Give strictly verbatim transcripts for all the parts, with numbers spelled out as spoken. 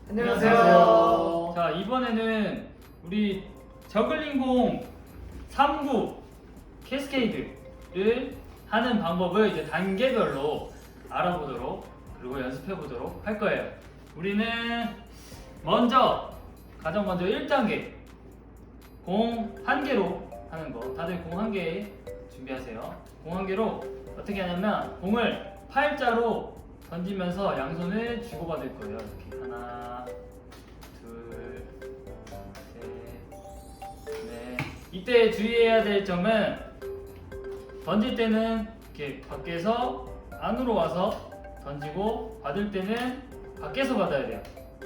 안녕하세요. 자, 이번에는 우리 저글링공 삼 구 캐스케이드를 하는 방법을 이제 단계별로 알아보도록 그리고 연습해 보도록 할 거예요. 우리는 먼저 가장 먼저 일 단계 공 한 개로 하는 거. 다들 공 한 개 준비하세요. 공 한 개로 어떻게 하냐면 공을 팔자로 던지면서 양손을 주고받을 거예요. 이렇게 하나, 둘, 셋, 넷. 이때 주의해야 될 점은 던질 때는 이렇게 밖에서 안으로 와서 던지고 받을 때는 밖에서 받아야 돼요.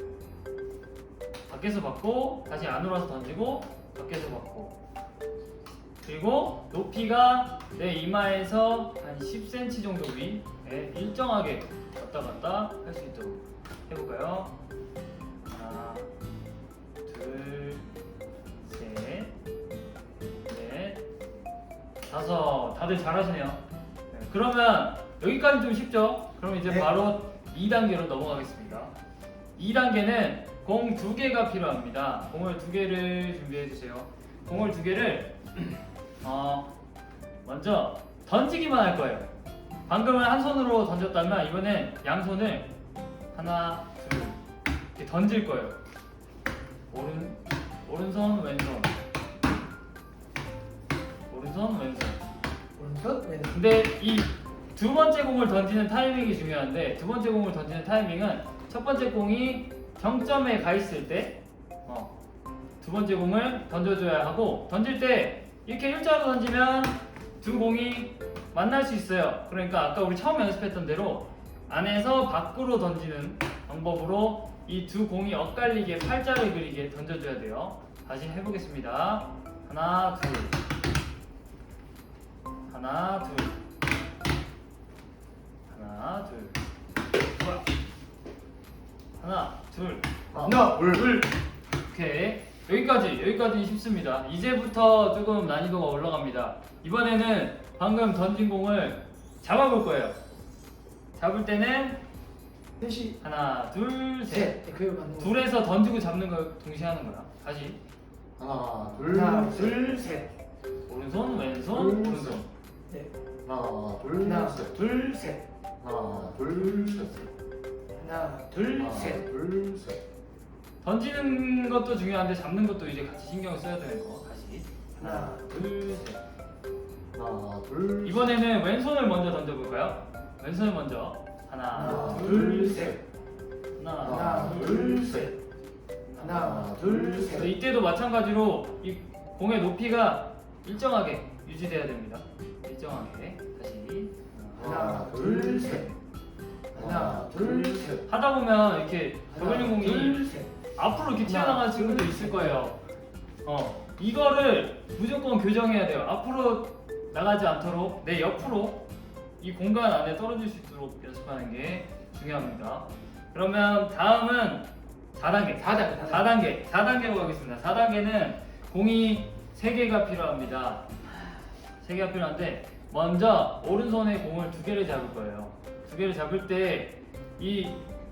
밖에서 받고 다시 안으로 와서 던지고 밖에서 받고, 그리고 높이가 내 이마에서 한 십 센티미터 정도 위에 일정하게 왔다 갔다 할 수 있도록 해볼까요? 하나, 둘, 셋, 넷, 다섯. 다들 잘하시네요. 네, 그러면 여기까지 좀 쉽죠? 그럼 이제 네. 바로 이 단계로 넘어가겠습니다. 이 단계는 공 두 개가 필요합니다. 공을 두 개를 준비해 주세요. 공을 두 개를 어, 먼저 던지기만 할 거예요. 방금은 한 손으로 던졌다면 이번엔 양손을 하나, 둘 이렇게 던질 거예요. 오른 오른손, 왼손, 오른손, 왼손. 오른손, 왼손. 근데 이 두 번째 공을 던지는 타이밍이 중요한데, 두 번째 공을 던지는 타이밍은 첫 번째 공이 정점에 가 있을 때, 어, 두 번째 공을 던져줘야 하고, 던질 때 이렇게 일자로 던지면 두 공이 만날 수 있어요. 그러니까 아까 우리 처음 연습했던 대로 안에서 밖으로 던지는 방법으로 이 두 공이 엇갈리게 팔자를 그리게 던져줘야 돼요. 다시 해보겠습니다. 하나, 둘, 하나, 둘, 하나, 둘, 하나, 둘, 하나, 둘. 오케이. 여기까지, 여기까지는 쉽습니다. 이제부터 조금 난이도가 올라갑니다. 이번에는 방금 던진 공을 잡아볼 거예요. 잡을 때는 셋이 하나, 둘, 셋. 셋. 네, 그거 맞는 거. 둘에서 던지고 잡는 걸 동시에 하는 거야. 다시. 하나, 둘, 하나, 셋. 둘, 셋. 오른손, 왼손, 둘, 오른손. 네. 하나, 둘, 하나, 셋. 둘, 셋. 하나, 둘, 셋. 하나, 둘, 하나, 셋. 둘, 셋. 던지는 것도 중요한데 잡는 것도 이제 같이 신경을 써야 되는 거. 다시. 하나, 둘, 셋. 하나, 둘, 이번에는 왼손을 먼저 던져볼까요? 왼손을 먼저. 하나, 하나, 둘, 둘, 셋. 셋. 하나, 하나, 둘, 둘, 셋. 셋. 하나, 둘, 그래서 셋. 이때도 마찬가지로 이 공의 높이가 일정하게 유지돼야 됩니다. 일정하게. 다시. 하나, 둘, 셋. 하나, 둘, 셋. 하다 보면 이렇게 저글링 하나, 공이 둘, 셋. 앞으로 이렇게 하나, 튀어나가는 친구도 둘, 있을 셋. 거예요. 어, 이거를 무조건 교정해야 돼요. 앞으로 나가지 않도록 내 옆으로 이 공간 안에 떨어질 수 있도록 연습하는 게 중요합니다. 그러면 다음은 사 단계. 사 단계, 사 단계. 사 단계로 가겠습니다. 사 단계는 공이 세 개가 필요합니다. 세 개가 필요한데 먼저 오른손에 공을 두 개를 잡을 거예요. 두 개를 잡을 때 이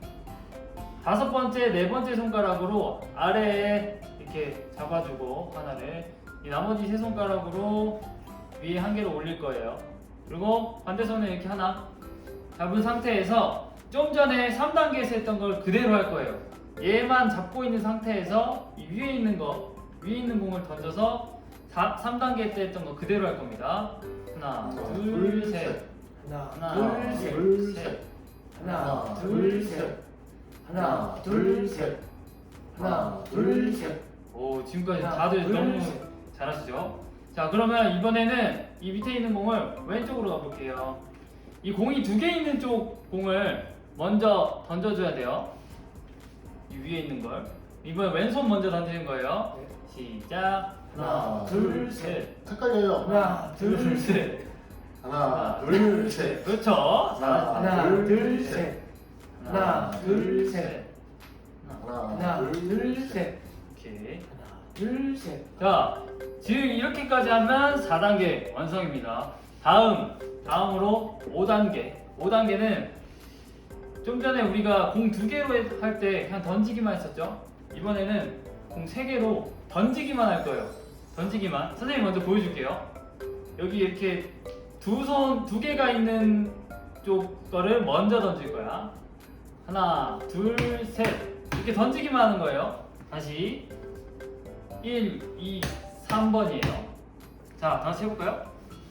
다섯 번째, 네 번째 손가락으로 아래에 이렇게 잡아주고 하나를, 이 나머지 세 손가락으로 위에 한 개를 올릴 거예요. 그리고 반대 손에 이렇게 하나 잡은 상태에서 좀 전에 삼 단계에서 했던 걸 그대로 할 거예요. 얘만 잡고 있는 상태에서 이 위에 있는 거, 위에 있는 공을 던져서 삼 단계 때 했던 거 그대로 할 겁니다. 하나, 하나, 둘, 둘, 셋. 셋. 하나, 하나, 둘, 셋. 둘, 셋. 셋. 하나, 둘, 셋. 하나, 둘, 셋. 하나, 둘, 셋. 오, 지금까지 하나, 다들 둘, 너무 셋. 잘하시죠? 자, 그러면 이번에는 이 밑에 있는 공을 왼쪽으로 가볼게요. 이 공이 두 개 있는 쪽 공을 먼저 던져줘야 돼요. 이 위에 있는 걸. 이번에 왼손 먼저 던지는 거예요. 네. 시작. 하나, 둘, 셋. 헷갈려요. 하나, 둘, 둘, 셋. 셋. 하나, 둘, 셋. 그렇죠. 하나, 하나, 둘, 둘, 셋. 셋. 하나, 둘, 셋. 하나. 하나, 둘, 셋. 오케이. 하나, 둘, 셋. 자, 지금 이렇게까지 하면 사 단계 완성입니다. 다음, 다음으로 오 단계. 오 단계는 좀 전에 우리가 공 두 개로 할 때 그냥 던지기만 했었죠? 이번에는 공 세 개로 던지기만 할 거예요. 던지기만. 선생님 먼저 보여줄게요. 여기 이렇게 두 손, 두 개가 있는 쪽 거를 먼저 던질 거야. 하나, 둘, 셋. 이렇게 던지기만 하는 거예요. 다시. 일, 이, 삼 번이에요. 자, 다시 해볼까요?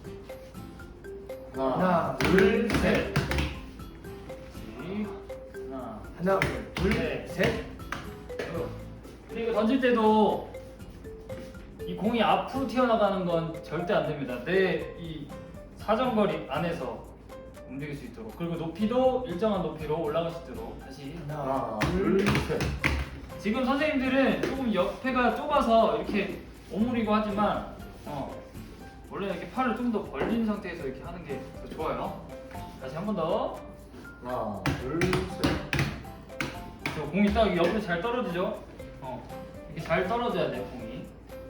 하나, 하나, 둘, 둘, 셋. 다시. 하나, 하나, 둘, 네. 셋. 근데 이거 던질 때도 이 공이 앞으로 튀어나가는 건 절대 안 됩니다. 내 이 사정거리 안에서 움직일 수 있도록. 그리고 높이도 일정한 높이로 올라갈 수 있도록. 다시. 하나, 둘, 셋. 지금 선생님들은 조금 옆에가 좁아서 이렇게 오므리고 하지만 어, 원래 이렇게 팔을 좀 더 벌린 상태에서 이렇게 하는 게 더 좋아요. 다시 한 번 더. 하나, 둘, 셋. 저 공이 딱 옆으로 잘 떨어지죠? 어, 이렇게 잘 떨어져야 돼 공이.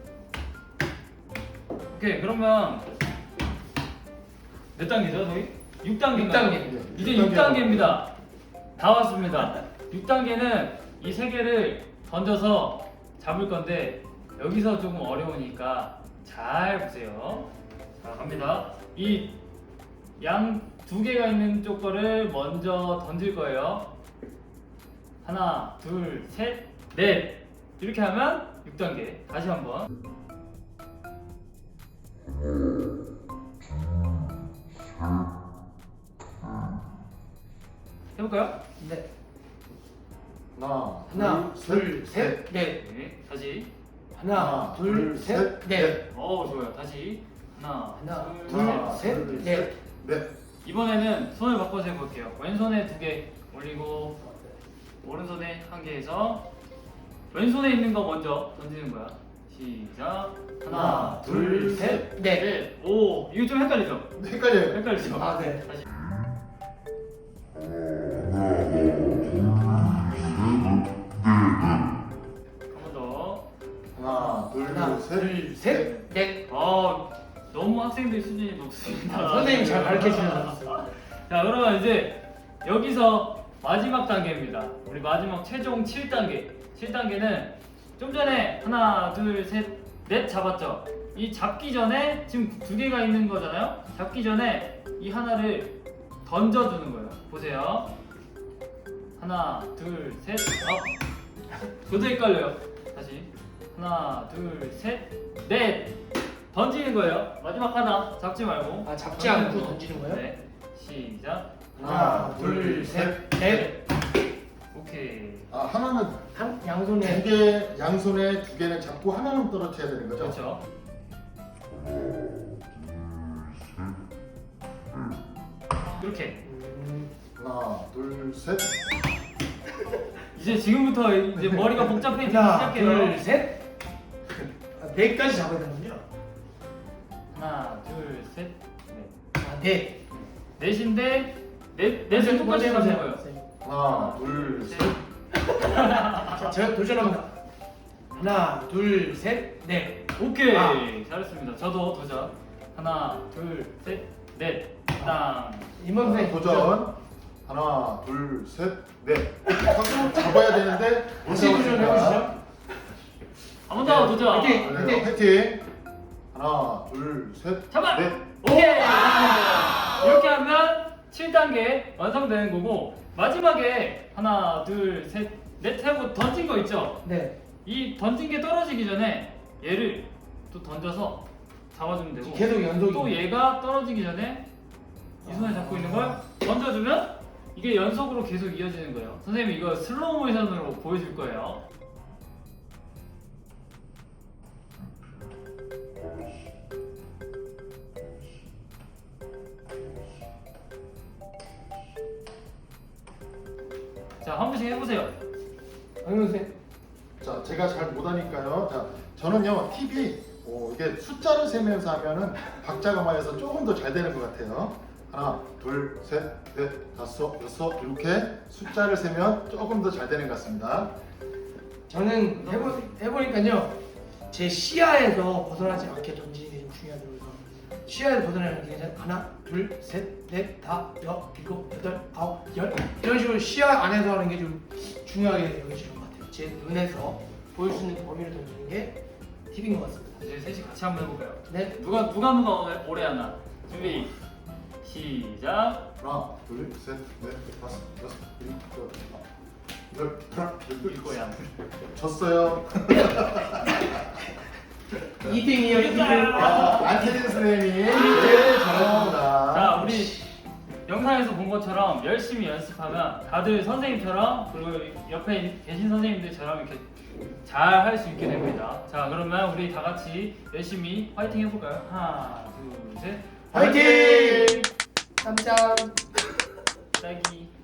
오케이, 그러면 몇 단계죠 저희? 육 단계. 육 단계. 이제 육 단계입니다. 다 왔습니다. 육 단계는 이 세 개를 던져서 잡을 건데 여기서 조금 어려우니까 잘 보세요. 자, 갑니다. 이 양 두 개가 있는 쪽 거를 먼저 던질 거예요. 하나, 둘, 셋, 넷. 이렇게 하면 육 단계. 다시 한번. 해볼까요? 네. 하나, 하나, 둘, 둘, 셋, 넷. 네. 다시. 하나, 둘, 셋, 넷. 어, 좋아요. 다시. 하나, 하나, 둘, 둘, 하나, 셋, 둘, 넷. 넷. 이번에는 손을 바꿔서 해볼게요. 왼손에 두 개 올리고 오른손에 한 개 해서 왼손에 있는 거 먼저 던지는 거야. 시작. 하나, 둘, 셋, 넷. 넷. 오, 이거 좀 헷갈리죠? 헷갈려요. 헷갈리죠? 아, 네. 다시. 한 번 더. 하나, 둘, 하나, 셋, 둘, 셋, 넷. 아, 너무 학생들 수준이 높습니다. 아, 선생님 잘 가르쳐 주셨어요. 자, 그러면 이제 여기서 마지막 단계입니다. 우리 마지막 최종 칠 단계. 칠 단계는 좀 전에 하나, 둘, 셋, 넷 잡았죠? 이 잡기 전에 지금 두 개가 있는 거잖아요? 잡기 전에 이 하나를 던져주는 거예요. 보세요. 하나, 둘, 셋, 업. 저도 헷갈려요. 다시. 하나, 둘, 셋, 넷. 던지는 거예요. 마지막 하나 잡지 말고. 아, 잡지 않고 던지는 거예요? 네. 시작. 하나, 둘, 셋, 넷. 오케이. 아, 하나는 한 두 양손에 개, 양손에 두 개는 잡고 하나는 떨어뜨려야 되는 거죠? 그렇죠. 이렇게. 음, 하나, 둘, 셋. 이제 지금부터 이제 머리가 복잡해지기 하나, 시작해요. 둘, 셋. 아, 넷까지 잡아야 되는군요. 하나, 둘, 셋, 넷. 아, 넷. 넷인데 넷 넷을 똑같이 먼저 잡는 해보세요. 거예요. 선생님. 하나, 둘, 셋. 자, 제가 도전합니다. 하나, 둘, 셋, 넷. 오케이. 아. 잘했습니다. 저도 도전. 하나, 둘, 셋, 넷. 땅. 이번 선생님 도전. 하나, 둘, 셋, 넷. 하고 잡아야 되는데 못 다시 도전 잡았습니다. 해보시죠. 한 번 더 도전. 화이팅! 네, 화이팅. 하나, 둘, 셋, 잡아. 넷. 오케이. 이렇게 하면 칠 단계 완성되는 거고 마지막에 하나, 둘, 셋, 넷 하고 던진 거 있죠? 네. 이 던진 게 떨어지기 전에 얘를 또 던져서 잡아주면 되고 계속 연속이. 또 얘가 떨어지기 전에 이 손에 잡고 있는 걸 던져주면 이게 연속으로 계속 이어지는 거예요. 선생님이 이거 슬로우 모션으로 보여줄 거예요. 자, 한 번씩 해보세요. 강현 선생. 자, 제가 잘 못하니까요. 자, 저는요 팁이 어, 이게 숫자를 세면서 하면은 박자감화해서 조금 더 잘 되는 것 같아요. 하나, 둘, 셋, 넷, 다섯, 여섯 이렇게 숫자를 세면 조금 더 잘 되는 것 같습니다. 저는 해보, 해보니까요 제 시야에서 벗어나지 않게 던지는 게 좀 중요하다고 해서 시야에 도전하는 게 하나, 둘, 셋, 넷, 다, 여, 일곱, 여덟, 아홉, 열 이런 식으로 시야 안에서 하는 게 좀 중요하게 여겨지는 것 같아요. 제 눈에서 보일 수 있는 범위를 던지는 게 팁인 것 같습니다. 이제 셋이 같이 한번 해볼까요? 네. 누가 누가 누가 오래- 오래 하나. 준비. 시작. 하나, 둘, 셋, 넷, 다섯, 여섯, 일곱, 여덟, 하나, 둘, 이거야. 졌어요. 이 등이요, 이 등. 아, 안태진 선생님이 제일 잘합니다. 자, 우리 영상에서 본 것처럼 열심히 연습하면 다들 선생님처럼 그리고 옆에 계신 선생님들처럼 이렇게 잘 할 수 있게 됩니다. 자, 그러면 우리 다 같이 열심히 화이팅 해볼까요? 하나, 둘, 셋. 화이팅! 짬짬. 딸기.